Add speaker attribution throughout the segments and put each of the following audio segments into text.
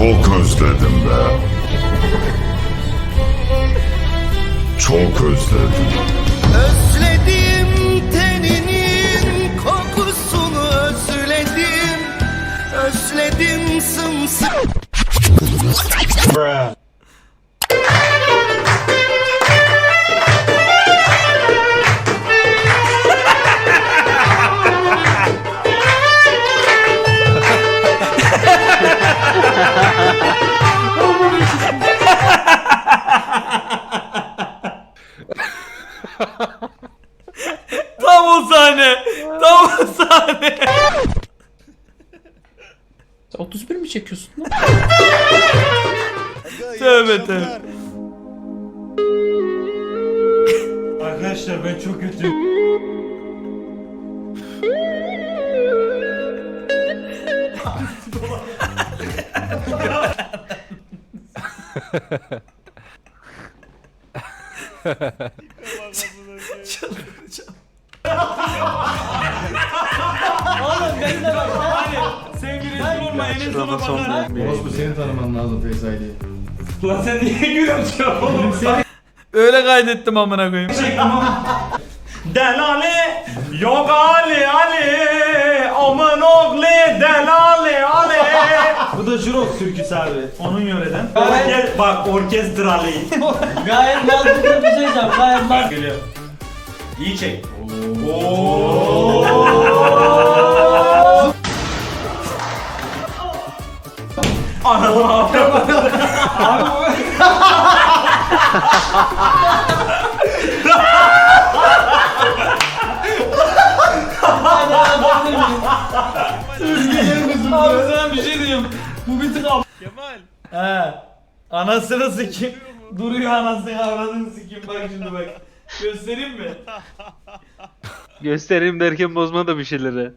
Speaker 1: Çok özledim be. Çok özledim.
Speaker 2: Özledim teninin kokusunu özledim. Özledim sımsıkı.
Speaker 3: Tam o sahne. Tam o sahne. 31 mi çekiyorsun lan? Tövbe tövbe.
Speaker 4: Arkadaşlar ben çok kötüyüm.
Speaker 3: Çıldıracağım.
Speaker 4: Oğlum beni de bak hani sevgili sorma en sona bakar.
Speaker 5: Orospu seni tanıman lazım Feyza'yı.
Speaker 4: Lan sen niye gülüyorsun oğlum?
Speaker 3: Öyle kaydettim amına koyayım.
Speaker 4: Delale yok Ali Ali aman oğlu delale Ali. Bu da Jurok türküsü abi. Onun yöreden. Bak orkestralı.
Speaker 6: Gayet mantıklı bir şey diyeceğim. Gayet mantıklı.
Speaker 4: Geliyor. İyi çek. Anam abi.
Speaker 3: Abi sana bir şey diyeyim. Bu bir tık ab... Kemal. He. Anasını sikeyim. Duruyor anasını avradını sikeyim bak şimdi bak. Göstereyim mi?
Speaker 7: Göstereyim derken bozma da bir şeyleri.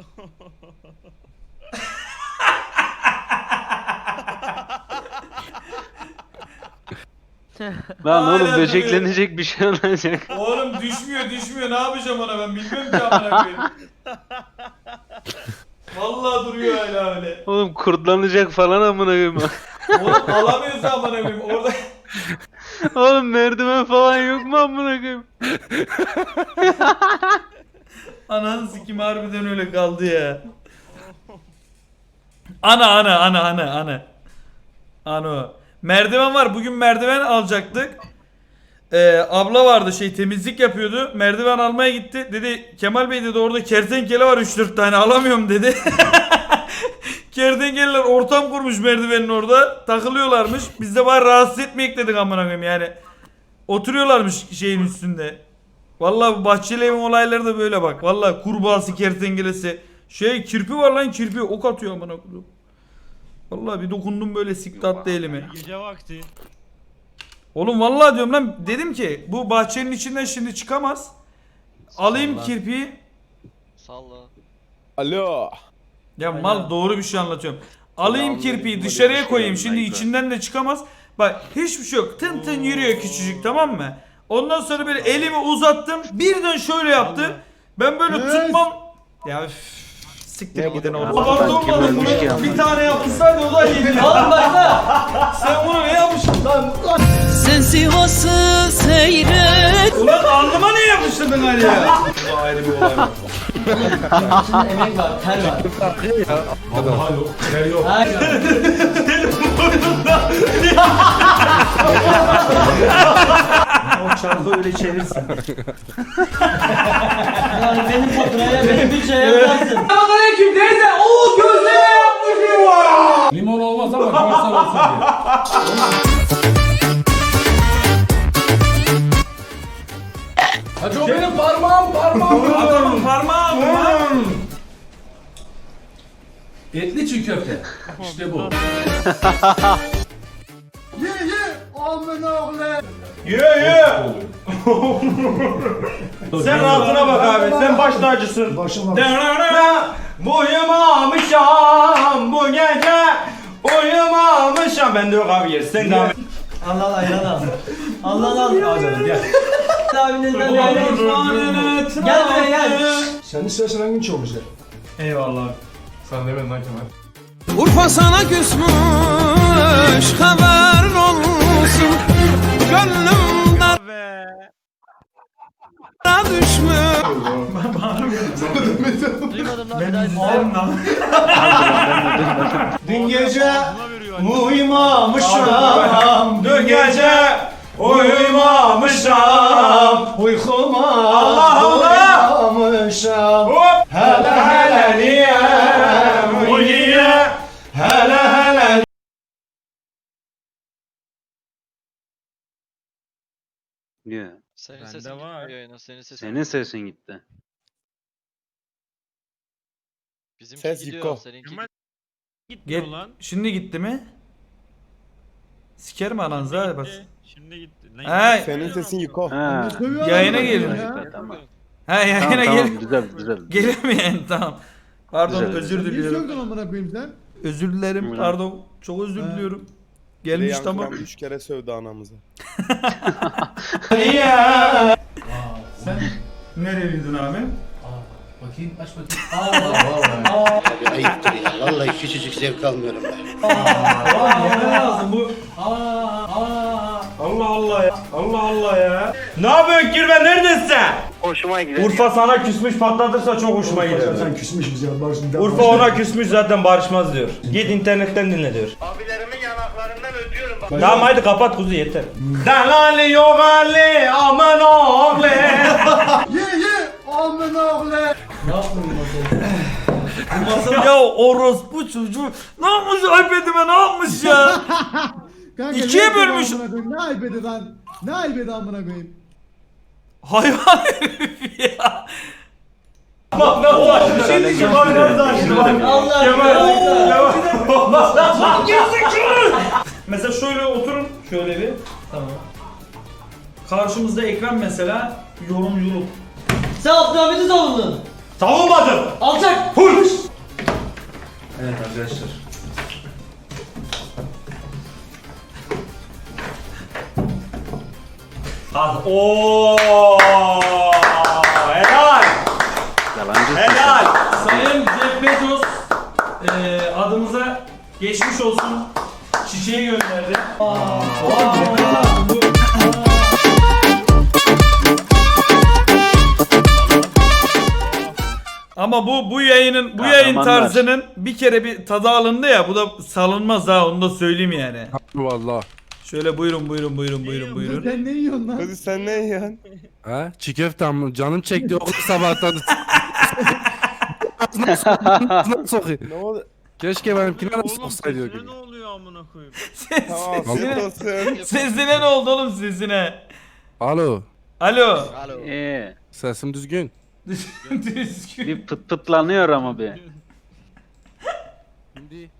Speaker 7: Lan
Speaker 3: Hala
Speaker 7: oğlum böceklenecek bir şey olacak.
Speaker 3: Oğlum düşmüyor ne yapacağım ona ben bilmiyorum ki amına koyayım. Vallahi duruyor hala öyle.
Speaker 7: Oğlum kurtlanacak falan amına koyayım.
Speaker 3: Oğlum alamıyorsa amına koyayım orada.
Speaker 7: Oğlum merdiven falan yok mu amına koyayım?
Speaker 3: Ananı sikeyim harbiden öyle kaldı ya. Ana. Ano. Merdiven var. Bugün merdiven alacaktık. Abla vardı temizlik yapıyordu. Merdiven almaya gitti. Dedi Kemal Bey dedi orada kertenkele var 3-4 tane alamıyorum dedi. Kertenkeleler ortam kurmuş merdivenin orada. Takılıyorlarmış. Biz de var rahatsız etmeyek dedik amına koyayım yani. Oturuyorlarmış şeyin üstünde. Vallahi bu bahçeli evin olayları da böyle bak. Vallahi kurbağası, kertenkelesi. Kirpi var lan kirpi ok atıyor amına koyayım. Vallahi bir dokundum böyle sikti attı elimi.
Speaker 4: Gece vakti.
Speaker 3: Oğlum vallahi diyorum lan dedim ki bu bahçenin içinden şimdi çıkamaz. Alayım kirpiyi.
Speaker 8: Salla.
Speaker 9: Alo.
Speaker 3: Ya mal doğru bir şey anlatıyorum. Alayım kirpiyi dışarıya koyayım şimdi içinden de çıkamaz. Bak hiçbir şey yok. Tın tın yürüyor küçücük tamam mı? Ondan sonra böyle elimi uzattım. Birden şöyle yaptı. Ben böyle tutmam. Ya siktir gidin oğlum. Abartı olmadı bunu. Bir tane yapmışlardı o da iyiydi.
Speaker 6: Oğlum başla.
Speaker 3: Sen bunu ne yapmışsın lan?
Speaker 2: Sen Sivas'ı seyret.
Speaker 3: Ulan alnıma niye yapıştırdın hani ya? Bu ayrı bir olay.
Speaker 6: İçinde emek var, ter var.
Speaker 5: Vallahi yok. Ter yok.
Speaker 6: Hayır.
Speaker 4: O çarpı öyle çevirsin.
Speaker 6: Yani benim faturaya, benim bütçeye yaparsın.
Speaker 5: Limon olmaz ama görsel olsun diye. Hacı o benim parmağım.
Speaker 3: Adamın parmağı mı?
Speaker 5: Etli çiğ köfte. İşte bu.
Speaker 4: Ye. Sen rahatına bak abi. Sen baş tacısın. Bu uyumamışam bu gece. Uyumamışam. Ben de yok abi yer. Sen devam et.
Speaker 6: Allah ayran al. Allah al. Al canım gel. Abinizden gel. Gel buraya gel.
Speaker 5: Sen istersen hangin çok güzel.
Speaker 4: Eyvallah.
Speaker 5: Sen demedin lan Kemal.
Speaker 2: Urfa sana küsmüş. düşmüş haberin olsun. Gönlüm dara düşmüş.
Speaker 6: Duymadım lan
Speaker 3: Ben
Speaker 6: bir daha.
Speaker 3: izlerim lan.
Speaker 4: Dün gece uyumamışam. Dün gece uyumamışam.
Speaker 6: Uykuma
Speaker 4: Allah Allah.
Speaker 6: uyumamışam.
Speaker 4: Hop. Hele hele niye? Bu niye? Hele hele.
Speaker 7: Niye?
Speaker 8: Senin sesin gitmiyor yayına. Senin sesin.
Speaker 7: Senin sesin gitti.
Speaker 8: Bizimki
Speaker 9: Ses
Speaker 8: gidiyor.
Speaker 9: Yiko.
Speaker 8: Seninki
Speaker 3: Şimdi gitti mi? Sikerim ananızı hadi bas.
Speaker 8: Şimdi gitti.
Speaker 3: He,
Speaker 9: Senin sesin Yiko.
Speaker 7: Ha.
Speaker 3: yayına gelin.
Speaker 7: Tamam.
Speaker 3: He yayına
Speaker 7: Tamam,
Speaker 3: gelin.
Speaker 7: tamam, güzel güzel.
Speaker 3: Gelemeyen tamam. Pardon
Speaker 7: Güzel.
Speaker 3: özür diliyorum.
Speaker 5: amına koyayım sen?
Speaker 3: Özür dilerim
Speaker 7: Buyurun.
Speaker 3: pardon. Çok özür diliyorum. Gelmiş
Speaker 9: Reyhan
Speaker 3: tamam.
Speaker 9: Kıran 3 kere sövdü anamızı.
Speaker 3: Sen nereliydin abi?
Speaker 5: Bakayım aç bakayım.
Speaker 10: Ayıptır ya. Vallahi küçücük zevk almıyorum ben.
Speaker 3: Yeme lazım bu.
Speaker 4: Allah Allah ya. Allah Allah ya. Ne yapıyorsun Kirve, neredesin?
Speaker 10: Hoşuma gidiyor.
Speaker 4: Urfa sana küsmüş patlatırsa çok hoşuma gider.
Speaker 5: Sen küsmüş bize bak şimdi.
Speaker 4: Urfa ona küsmüş zaten barışmaz diyor. Git internetten dinle diyor.
Speaker 10: Abilerimin yanaklarından ödüyorum bak.
Speaker 4: Tamam haydi kapat kuzu yeter. Dalali yok Ali aman oğlu.
Speaker 3: Ya orospu çocuğu ne yapmış iPad'ime ne yapmış ya? İkiye bölmüş.
Speaker 5: Ne iPad'i lan? Ne iPad'i amına koyayım?
Speaker 3: Hayvan herif ya.
Speaker 4: Bak nasıl açtı bir şey diyeceğim abi nasıl açtı bak.
Speaker 6: Allah
Speaker 3: Mesela şöyle oturun şöyle bir.
Speaker 6: Tamam.
Speaker 3: Karşımızda ekran mesela yorumculuk.
Speaker 6: Sen Abdülhamid'i savundun.
Speaker 4: Savunmadım.
Speaker 6: Alçak.
Speaker 4: Full.
Speaker 3: Evet arkadaşlar.
Speaker 4: Ooo. Helal.
Speaker 7: Yalancı.
Speaker 4: Helal.
Speaker 3: Sayın Jeff Bezos adımıza geçmiş olsun çiçeği gönderdi. Ama bu yayının yayın
Speaker 7: Kahramanlar.
Speaker 3: tarzının bir kere bir tadı alındı ya, bu da salınmaz ha, onu da söyleyeyim yani.
Speaker 11: Vallahi.
Speaker 3: Şöyle buyurun.
Speaker 5: Sen ne yiyorsun lan?
Speaker 9: Hadi sen ne yiyorsun?
Speaker 11: Ha? Çiğ köfte mi? Canım çekti okul sabahtan. Nasıl sokayım?
Speaker 9: Ne oldu?
Speaker 11: Keşke benimkine nasıl soksaydı o gün.
Speaker 8: oluyor amına koyayım?
Speaker 9: Tamam afiyet olsun.
Speaker 3: Sesine ne oldu oğlum sesine?
Speaker 11: Alo.
Speaker 3: Alo.
Speaker 8: Alo.
Speaker 11: Sesim düzgün.
Speaker 3: Düzgün.
Speaker 7: Bir pıt pıtlanıyor ama bir.
Speaker 11: Şimdi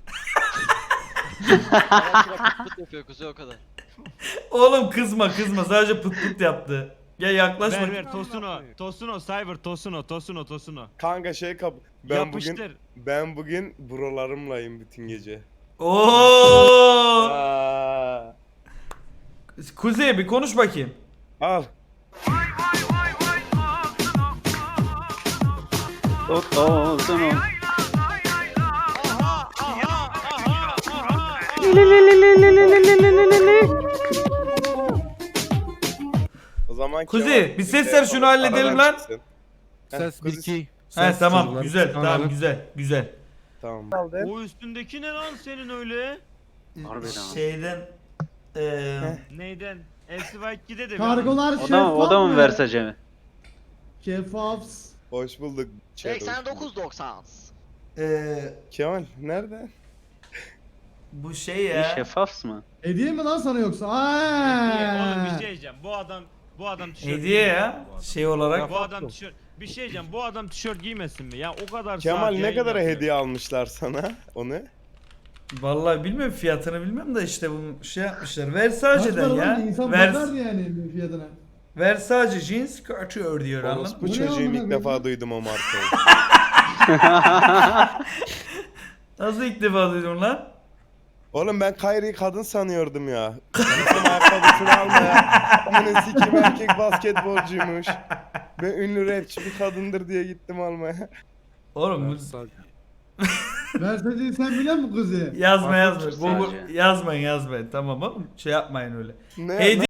Speaker 8: Pıt yapıyor kuzu o kadar.
Speaker 3: Oğlum kızma sadece pıt pıt yaptı. Gel yaklaşma.
Speaker 4: Tosuno Cyber Tosuno.
Speaker 9: Kanka şey kap. Ben bugün buralarımlayım bütün gece.
Speaker 3: Oo!
Speaker 9: Aa,
Speaker 3: Kuzey bir konuş bakayım.
Speaker 9: al.
Speaker 7: Olsun o.
Speaker 9: O zaman
Speaker 3: Kuzey,
Speaker 9: Kemal,
Speaker 3: bir ses ver şunu halledelim
Speaker 9: aradan
Speaker 3: lan.
Speaker 9: çıksın.
Speaker 11: ses
Speaker 9: Kuzey,
Speaker 11: 1-2.
Speaker 3: He tamam güzel tamam güzel.
Speaker 9: Tamam.
Speaker 4: O üstündeki ne lan senin öyle?
Speaker 7: Harbiden ama.
Speaker 3: Şeyden
Speaker 4: Neyden? LCY2'de de
Speaker 5: Kargolar
Speaker 7: O da mı versacemi?
Speaker 5: Şeffafs.
Speaker 9: Hoş bulduk. Çero.
Speaker 8: 89.90.
Speaker 9: Kemal nerede?
Speaker 3: bu şey ya.
Speaker 7: Şeffafs mı?
Speaker 5: Hediye mi lan sana yoksa?
Speaker 4: Oğlum bir şey
Speaker 5: Aa.
Speaker 4: diyeceğim. Bu adam tişört
Speaker 3: Hediye
Speaker 4: giymez
Speaker 3: ya
Speaker 4: mi bu adam?
Speaker 3: şey olarak.
Speaker 4: Bu adam tişört. Bir şey diyeceğim. Bu adam tişört giymesin mi? Ya o kadar
Speaker 9: Kemal
Speaker 4: saat
Speaker 9: ne
Speaker 4: yayın
Speaker 9: kadara
Speaker 4: yapıyor.
Speaker 9: hediye almışlar sana? Onu?
Speaker 3: Vallahi bilmiyorum fiyatını bilmem de işte bunu şey yapmışlar.
Speaker 5: Kaç
Speaker 3: Versace'den
Speaker 5: para
Speaker 3: ya.
Speaker 5: lan? İnsan bakardı yani fiyatına.
Speaker 3: Versace jeans couture diyor anladın
Speaker 9: Orospu
Speaker 3: mı?
Speaker 5: Bu ne
Speaker 9: çocuğum
Speaker 5: amına
Speaker 9: ilk defa duydum o markayı.
Speaker 3: Nasıl ilk defa duydun lan?
Speaker 9: Oğlum ben Kyrie'yi kadın sanıyordum ya. Kadın ayakkabısını almaya. Amına sikim erkek basketbolcuymuş. Ben ünlü rapçi bir kadındır diye gittim almaya.
Speaker 3: Oğlum bu
Speaker 5: Verseceği sen biliyor musun kızı?
Speaker 3: Yazmayın. Yazmayın. Tamam oğlum. Şey yapmayın öyle.
Speaker 9: Ne?
Speaker 3: Hediye